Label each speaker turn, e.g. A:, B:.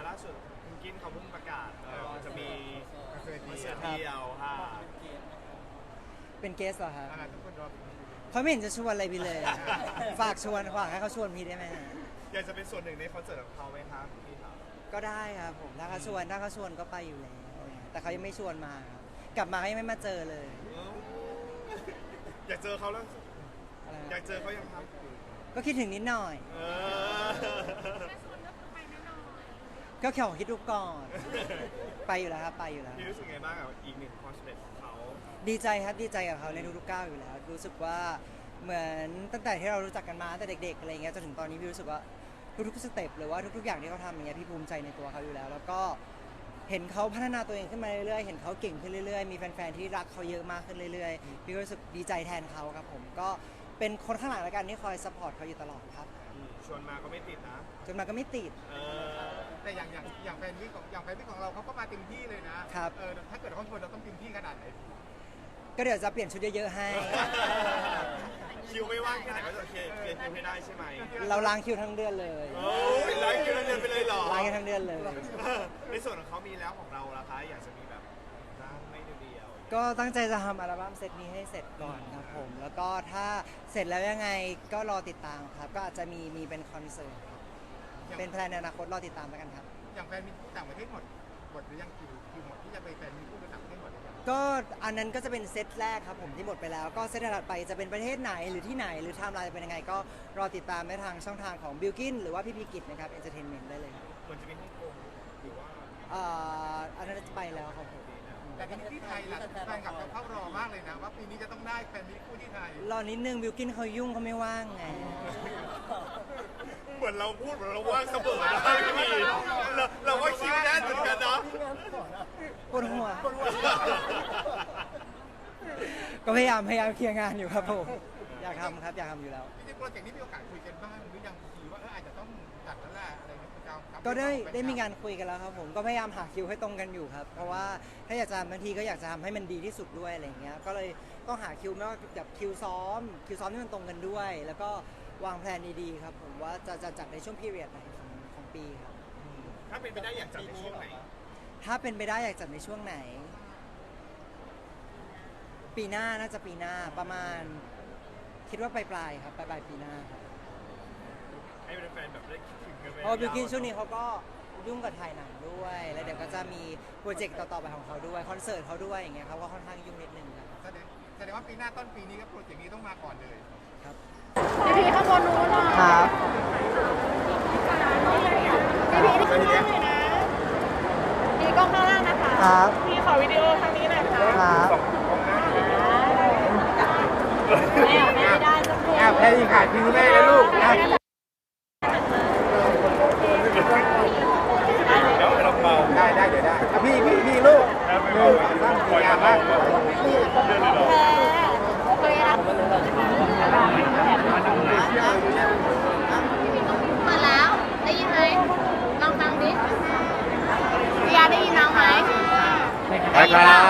A: ล่าสุดคุณกินเขาเพิ่งประกาศจะมีคอนเสิร์ตเดียวค่ะ
B: เป็นเกสเหรอครับ
A: ทุกคนรอ
B: เขาไม่เห็นจะชวนอะไรพี่เลย ฝากชวนฝากให้เขาชวนพี่ได้ไหม
A: อยากจะเป็นส่วนหนึ่งในคอนเสิร์ตของเขาไหมครับพี่ครับ
B: ก็ได้ครับผมถ้าเขาชวนก็ไปอยู่แล้วแต่เขายังไม่ชวนมาครับกลับมาเขายังไม่มาเจอเลย
A: อยากเจอเขาแล้วอยากเจอเขายังครับ
B: ก็คิดถึงนิดหน่อยก็แค่คิดดูก่อนไปอยู่แล้วครับไปอยู่แล้ว
A: พี่รู้สึกไงบ้างกับอีกหนึ่งความสำเร็จของเขา
B: ดีใจครับดีใจกับเขาในทุกๆก้าวอยู่แล้วรู้สึกว่าเหมือนตั้งแต่ที่เรารู้จักกันมาตั้งแต่เด็กๆอะไรเงี้ยจนถึงตอนนี้พี่รู้สึกว่าทุกๆสเต็ปหรือว่าทุกๆอย่างที่เขาทำอย่างเงี้ยพี่ภูมิใจในตัวเขาอยู่แล้วแล้วก็เห็นเขาพัฒนาตัวเองขึ้นมาเรื่อยๆเห็นเขาเก่งขึ้นเรื่อยๆมีแฟนๆที่รักเขาเยอะมากขึ้นเรื่อยๆพี่ก็รู้สึกดีใจแทนเขาครับผมก็เป็นคนข้างหลังแล้วกันที่คอยซัพพอร์ตเขาอยู่ตลอดครับ
A: ชวนมาก็ไม่ติดนะ
B: ชวนมาก็ไม่ติด
C: แต่อย่างแฟนมิตรของเราเขาก็มาเต็มที่เลยนะครับถ้าเกิดเขาชวนเราต้องเต็มที่ขนาดไหน
B: ก็เดี๋ยวจะเปลี่ยนชุดเยอะๆให้
A: คิวไม่ว่างแค่ไหนก็จะเคลียร์คิวให้ได้ใช่ไหม
B: เราล้างคิวทั้งเดือนเลย
A: โอ้ยล้างคิวทั้งเดือนไปเลยเหรอ
B: ล้างทั้งเดือนเลย
A: ในส่วนของเขามีแล้วของเราล่ะคะอยากจะมีแบบไม่เดียว
B: ก็ตั้งใจจะทำอัลบั้มเซตนี้ให้เสร็จก่อนครับผมแล้วก็ถ้าเสร็จแล้วยังไงก็รอติดตามครับก็อาจจะมีเป็นคอนเสิร์ตเป็นแพลนในอนาคตรอติดตามแล้วกันครับ
C: อย่างแฟนมิตรต่างประเทศหมดหรือยังคิวหมดที่จะไปแฟนมิตรต่างประเทศหมด
B: ก็อันนั้นก็จะเป็นเซตแรกครับผมที่หมดไปแล้วก็เซตถัดไปจะเป็นประเทศไหนหรือที่ไหนหรือไทม์ไลน์จะเป็นยังไงก็รอติดตามได้ทางช่องทางของบิลกินหรือว่าพี่พีกิจนะครับเอนเตอร์เทนเมนต์ได้เลย
A: ควรจะเป็นฮ่องกงหรือว่า
B: อันนั้นจะไปแล้วครับผม
C: แต่ที่ไทยล่ะแฟนคลับเขารอมากเลยนะว่าปีนี้จะต้องได้แฟนมิตรคู่ที่ไทย
B: รอนิดนึงบิลกินเขายุ่งเขาไม่ว่างไง
A: เหมือนเราพูดเหมือนเราว่างเสมอนะพี่เราว่าคิวแน่นเหมือนกันนะ
B: ปวดหัวก็พยายามเคลียร์งานอยู่ครับผมอยากทำครับอยากทำอยู่แล้ว
C: จริงๆโปรเจกต์นี้มีโอกาสคุยกันบ้างหรือยังทีว่าอาจจะต้องจัดแล้วแหละอะไรเงี้ย
B: ก็ได้มีการคุยกันแล้วครับผมก็พยายามหาคิวให้ตรงกันอยู่ครับเพราะว่าถ้าอยากจะบางทีก็อยากจะทำให้มันดีที่สุดด้วยอะไรเงี้ยก็เลยต้องหาคิวไม่ว่าแบบคิวซ้อมที่มันตรงกันด้วยแล้วก็วางแผนดีๆครับผมว่าจะจัดในช่วงพีเรียดไหนของปีครับ
A: ถ้าเป็นไปได้อยากจัดในช่วงไหน
B: ถ้าเป็นไปได้อยากจัดในช่วงไหนปีหน้าน่าจะปีหน้าประมาณคิดว่าปลายครับปลายปีหน้าครับ
A: ให้แฟนแบบได้คิดถึงกันไหม
B: เพราะบิลกินช่วงนี้เขาก็ยุ่งกับถ่ายหนังด้วยแล้วเดี๋ยวก็จะมีโปรเจกต์ต่อๆไปของเขาด้วยคอนเสิร์ตเขาด้วยอย่างเงี้ยเขาก็ค่อนข้างยุ่งนิดนึงครับ
C: แสดงว่าปีหน้าต้นปีนี้ก็โปรเจกต์นี้ต้องมาก่อนเลย
B: ครับ
D: พี่ข้างบนนู้น
B: ครับ
D: พี่ที่ข้างล่างเลยนะพี่กล้องข้างล่างนะคะ
B: ครับ
D: พี่ขอวิดีโอทางนี้หน่อยค่ะ
B: ครับ
D: ไม่ได้สักที
C: แพ้ยิงขาดคิวแม่แล้วลูกได้เดี๋ยวได้พี่ลูกตั้งใจมาก
D: มาแล้วได้ยินไหมลองฟังดิพี่ยาได้ยินน้องไหม
C: ได้ครับ